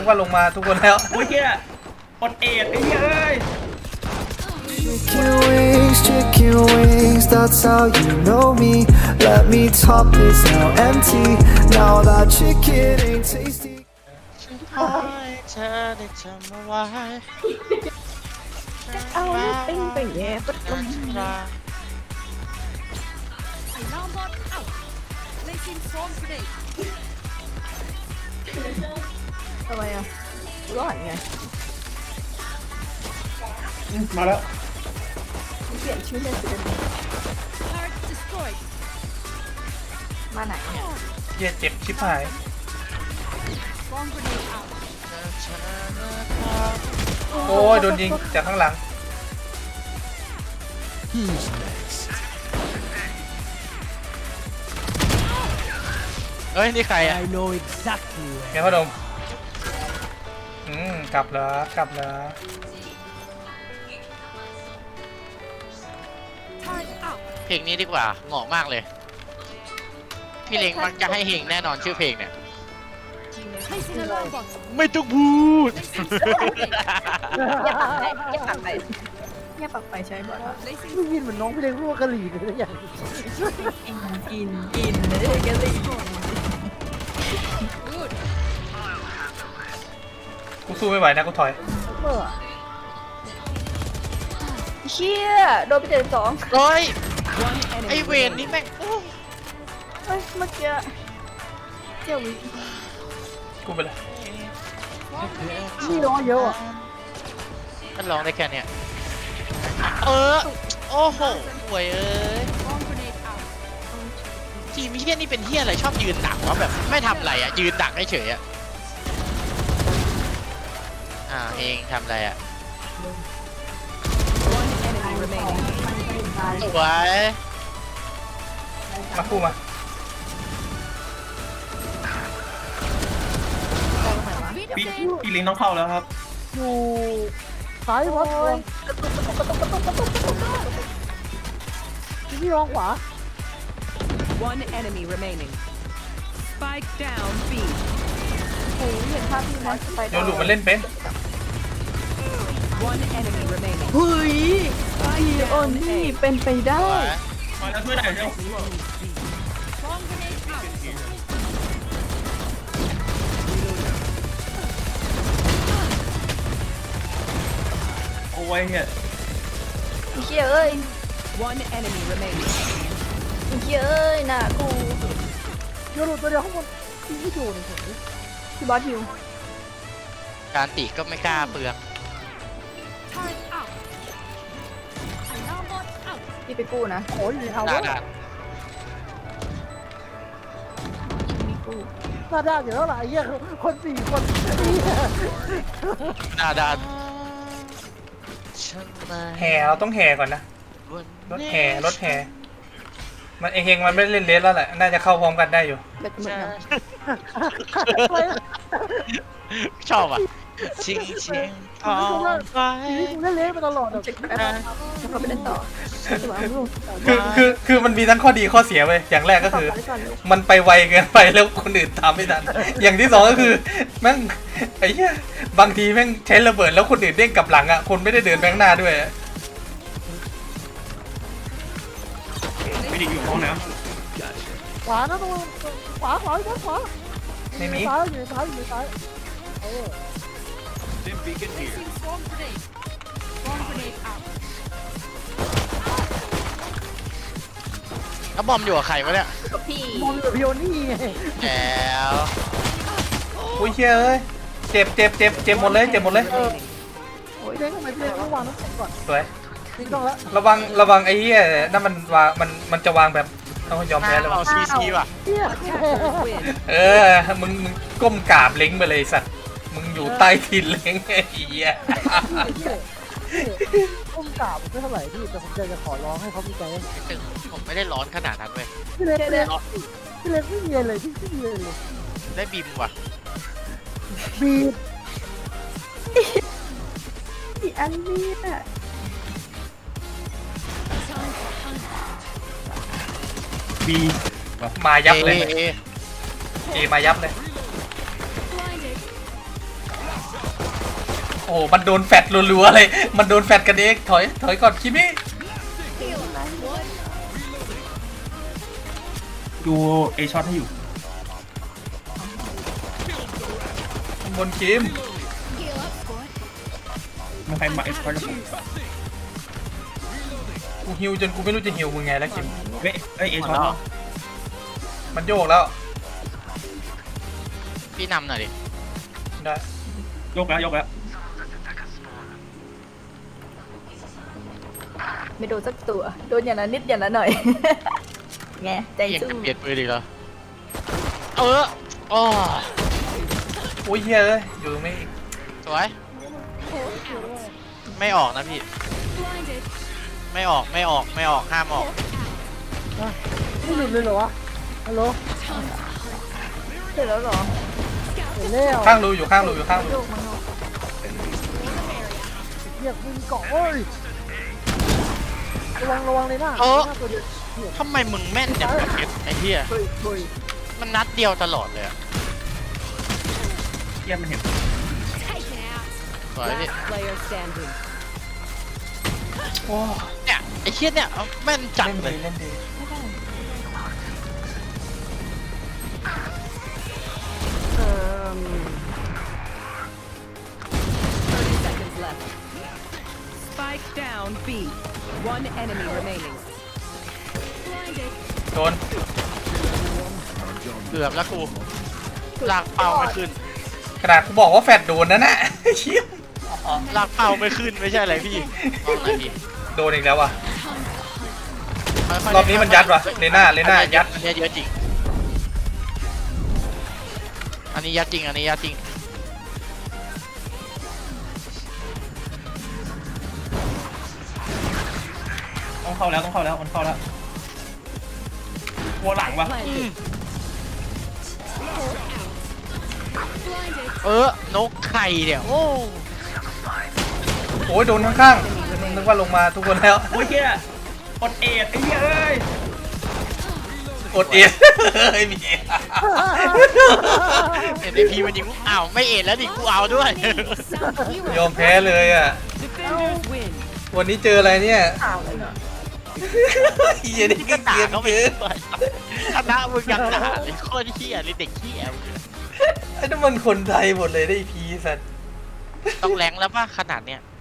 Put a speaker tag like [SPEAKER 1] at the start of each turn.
[SPEAKER 1] กว่าลงมาทุกคนแล้ว
[SPEAKER 2] โอ้ยเฮียอดเอ็ดไอ้เหี้ยเอ้ย
[SPEAKER 3] Chicken wings, that's how you know me. Let me top this now empty. Now that chicken ain't tasty.
[SPEAKER 4] ขอให้เธอได้จำเอาไว้
[SPEAKER 5] เอาเลยปิ้งไปแย่ปุ๊บลง
[SPEAKER 6] Alarm bot out. Placing swarm grenade.
[SPEAKER 5] ทำไมอ่ะรอดไง
[SPEAKER 2] มาแล้ว
[SPEAKER 5] เปลี่ยนชื่อเล่นสิ
[SPEAKER 6] Turret destroyed.
[SPEAKER 5] มาไหนเนี่ย
[SPEAKER 1] เหี้ยเจ็บชิบหาย
[SPEAKER 6] Swarm grenade out.
[SPEAKER 1] โอ้ยโดนยิงจากข้างหลัง
[SPEAKER 4] เฮ้ยนี่ใครอ่ะ
[SPEAKER 1] แกพ่อดมกลับเหรอกลับเหรอ
[SPEAKER 6] Turret out.
[SPEAKER 4] เพลงนี้ดีกว่าเหมาะมากเลยพี่เล้งมักจะให้เพลงแน่นอนชื่อเพลงเนี่ย
[SPEAKER 6] Placing alarm bot.
[SPEAKER 4] ไม่ต้องพูด
[SPEAKER 5] อย่าปักไปอย่าปักไปใช้บอล
[SPEAKER 6] Placing
[SPEAKER 7] ไม่ยินเหมือนน้องพี่เล็กพูดว่ากะหรี่เลยอย่าง
[SPEAKER 5] กินเลยกันเลย
[SPEAKER 6] good.
[SPEAKER 1] กูสู้ไม่ไหวนะกูถอย
[SPEAKER 7] เมื่อ
[SPEAKER 5] เชี่ยโดนไป72
[SPEAKER 4] เฮ้ยไอเวนนี่แม่งโอ้
[SPEAKER 5] เฮ้ยเมื่อกี้เจ้าวิ
[SPEAKER 1] กูไปเลย
[SPEAKER 7] นี่ร้องเยอะอ่ะ
[SPEAKER 4] มันร้องได้แค่เนี้ยโอ้โหห่วยเอ้ย
[SPEAKER 6] Swarm grenade out.
[SPEAKER 4] ทีมเฮี้ยนี่เป็นเฮี้ยอะไรชอบยืนดักวะแบบไม่ทำอะไรอ่ะยืนดักเฉยๆอ่ะเองทำอะไรอ่ะสวย
[SPEAKER 1] มาคู่มา
[SPEAKER 2] พี่ลิงต้องเข้าแล้วครับ
[SPEAKER 7] อยู่ซ้ายวัดเลยพี่ร้องขวา
[SPEAKER 8] One enemy remaining. Spike down B.
[SPEAKER 5] โอ้ยเห็นภาพที่มันไป
[SPEAKER 1] โยนหลุมมันเล่นเป็น
[SPEAKER 8] One enemy remaining.
[SPEAKER 5] เฮ้ยไอ้โอนนี่เป็นไปได้
[SPEAKER 2] มาแล้วช่วยหน่อยเร็ว
[SPEAKER 6] Swarm grenade out.
[SPEAKER 2] โอ้ยเฮีย
[SPEAKER 5] เชี่ยเอ้ย
[SPEAKER 8] One enemy remaining.
[SPEAKER 5] เชี่ยเอ้ยน่ะกู
[SPEAKER 7] เดี๋ยวหลุดตัวเดียวข้างบนพี่โดนเลย
[SPEAKER 5] พี่บอสฮิว
[SPEAKER 4] การตีก็ไม่กล้าเปลือง
[SPEAKER 6] Turret out. Alarm bot out.
[SPEAKER 5] พี่ไปกู้นะ
[SPEAKER 7] โอ้ยเอา
[SPEAKER 4] หน้า
[SPEAKER 7] แล้ว
[SPEAKER 4] ด้าน
[SPEAKER 5] มีกู้
[SPEAKER 7] หน้าด้านอยู่แล้วล่ะไอ้เหี้ยคน4 คน
[SPEAKER 4] หน้าด้าน
[SPEAKER 1] แห่เราต้องแห่ก่อนนะรถแห่มันเฮงมันไม่เล่นเลสแล้วแหละน่าจะเข้าพร้อมกันได้อยู่
[SPEAKER 5] เด็กเหมือนกัน
[SPEAKER 4] ชอบอ่ะชิงพอไป
[SPEAKER 7] นี่กูเล่นเละมาตลอดอ่ะ
[SPEAKER 5] เช็คแป๊บเขาไปเล่นต่อตัวเอาลูก
[SPEAKER 1] คือมันมีทั้งข้อดีข้อเสียเว้ยอย่างแรกก็คือ มันไปไวเกินไปแล้วคนอื่นตามไม่ทัน อย่างที่สองก็คือแม่งไอ้เหี้ยบางทีแม่งใช้ระเบิดแล้วคนอื่นเด้งกลับหลังอ่ะคนไม่ได้เดินไปข้างหน้าด้วย
[SPEAKER 2] พี่ลิงอยู่ห้องน้
[SPEAKER 7] ขวานะตรงขวาขวาขวา
[SPEAKER 1] ไม่มี
[SPEAKER 7] ซ้ายอยู่ซ้ายอยู่ซ้าย
[SPEAKER 6] Placing swarm grenade. Swarm grenade out.
[SPEAKER 4] แล้วบอมอยู่กับใครวะเนี่ย
[SPEAKER 5] กับพี่
[SPEAKER 7] มองอยู่พิโอนี่ไง
[SPEAKER 4] แล้ว
[SPEAKER 1] อุ้ยเชี่ยเอ้ยเจ็บหมดเลยเจ็บหมดเลย
[SPEAKER 7] โอ้ยเล่นทำไมพี่เล่นต้องวางน้ำแข็งก่อน
[SPEAKER 1] สวย
[SPEAKER 7] นี่ต้องแล้ว
[SPEAKER 1] ระวังไอ้เหี้ยนั่นมันวางมันจะวางแบบต้องยอมแพ้แล้ว
[SPEAKER 4] เอาซีว่ะ
[SPEAKER 7] เหี้ย
[SPEAKER 8] Win.
[SPEAKER 1] มึงก้มกราบเล้งไปเลยสัตว์มึงอยู่ใต้ทินเล้งไอ้เหี้ย
[SPEAKER 7] ต้มกราบไม่เท่าไหร่พี่แต่ผมจะขอร้องให้เขามีใจให้
[SPEAKER 4] ถึงผมไม่ได้ร้อนขนาดนั้นเว้ย
[SPEAKER 7] พี่เล็กพี่เล็กไม่มีอะไรพี่ไม่มีอะไรเลย
[SPEAKER 4] ได้บิมว่ะ
[SPEAKER 7] บีบ
[SPEAKER 5] อีอันนี้อ่ะ
[SPEAKER 2] ำบี
[SPEAKER 1] มายับเลย
[SPEAKER 4] เอ
[SPEAKER 1] เอมายับเลย
[SPEAKER 6] Blinded.
[SPEAKER 1] โอ้มันโดนแฟดรัวๆเลยมันโดนแฟดกันเองถอยก่อนคิมี่
[SPEAKER 2] ดูเอช็อตให้อยู่
[SPEAKER 1] ข้างบนคิม
[SPEAKER 2] ไม่ใครมาเอช็อตกับผม
[SPEAKER 1] กูฮิวจนกูไม่รู้จะฮิวมึงไงแล้วคิม
[SPEAKER 2] เฮ้ยเอช็อต
[SPEAKER 1] มันโยกแล้ว
[SPEAKER 4] พี่นำหน่อยดิ
[SPEAKER 1] ได้
[SPEAKER 2] ยกแล้ว
[SPEAKER 5] ไม่โดนสักตัวโดนอย่างนั้นนิดอย่างนั้นหน่อย ไงใจ
[SPEAKER 4] ยัง
[SPEAKER 5] สู้
[SPEAKER 4] จะเปลี่ยนปืนอีกเหรอโอ้
[SPEAKER 1] โอ้ยเฮียเลยอยู่ตรงนี้อีก
[SPEAKER 4] สวยไม่ออกนะพี่
[SPEAKER 6] Blinded.
[SPEAKER 4] ไม่ออกห้ามออก
[SPEAKER 7] ไม่หยุดเลยเหรอวะฮัลโหล
[SPEAKER 5] เสร็จแล้วเหรอ
[SPEAKER 7] เห็นแล้ว
[SPEAKER 1] ข้างรูอยู่ข้างรู
[SPEAKER 5] โยกมั้งเนาะ
[SPEAKER 7] เหยียบมึงเกาะเว้ยระวังเลยนะหน้าตัวเดียว
[SPEAKER 4] ทำไมมึงแม่นอย่างกับไอ้เหี้ย
[SPEAKER 5] เฮ้ยเฮ้ย
[SPEAKER 4] มันนัดเดียวตลอดเลยอะ
[SPEAKER 2] เทียมมันเห็น
[SPEAKER 6] Taken out.
[SPEAKER 4] สวยพี่
[SPEAKER 8] Last player standing.
[SPEAKER 1] โอ้
[SPEAKER 4] เนี่ยไอ้เหี้ยเนี่ยแม่นจัด
[SPEAKER 1] เล่น
[SPEAKER 4] เล
[SPEAKER 1] ดี
[SPEAKER 4] ย
[SPEAKER 5] เออ
[SPEAKER 8] 30 seconds left. Spike down B. One enemy remaining.
[SPEAKER 6] Blinded.
[SPEAKER 1] โดน
[SPEAKER 4] เกือบแล้วกูลากเป้าไม่ขึ้น
[SPEAKER 1] ขนาดกูบอกว่าแฟดโดนนั่นน่ะ เชี่ย
[SPEAKER 4] ลากเป้าไม่ขึ้นไม่ใช่อะไรพี่ลองหน่อยดิ
[SPEAKER 1] โดนอีกแล้วว่ะ
[SPEAKER 4] ค่ยๆ
[SPEAKER 1] รอบนี้มันยัดว่ะเลน่ายัด
[SPEAKER 4] อันนี้เยอะจริงอันนี้ยัดจริง
[SPEAKER 2] ต้องเข้าแล้วมันเข้าแล้วหัวหลังวะ
[SPEAKER 8] Planted.
[SPEAKER 6] Blinded.
[SPEAKER 4] นกไข่เนี่ยโอ้
[SPEAKER 1] โอ้ยโดนข้างๆนึกว่าลงมาทุกคนแล้ว
[SPEAKER 2] โอ้ยเฮียกดเอ็ดไอ้เหี้ยเอ้ย
[SPEAKER 1] กดเอ็นเฮ้ยมี
[SPEAKER 4] เอ็นพีมันยิงกูอ้าวไม่เอ็นแล้วดิกูเอาด้วย
[SPEAKER 1] ยอมแพ้เลยอ่ะ
[SPEAKER 8] Defenders win.
[SPEAKER 1] วันนี้เจออะไรเนี่ย
[SPEAKER 5] ข่าวเลยเนาะ
[SPEAKER 1] เฮียนี่ก็
[SPEAKER 4] ด่า
[SPEAKER 1] เกลียด
[SPEAKER 4] เขาไป
[SPEAKER 1] เกิน
[SPEAKER 4] คณะมึงยังด่าเลยโคตรเหี้ยเลยเด็กเหี้ย
[SPEAKER 1] ไอ้นั่นมันคนไทยหมดเลยได้พีสัตว์
[SPEAKER 4] ต้องแรงแล้วป่ะขนาดเนี้ย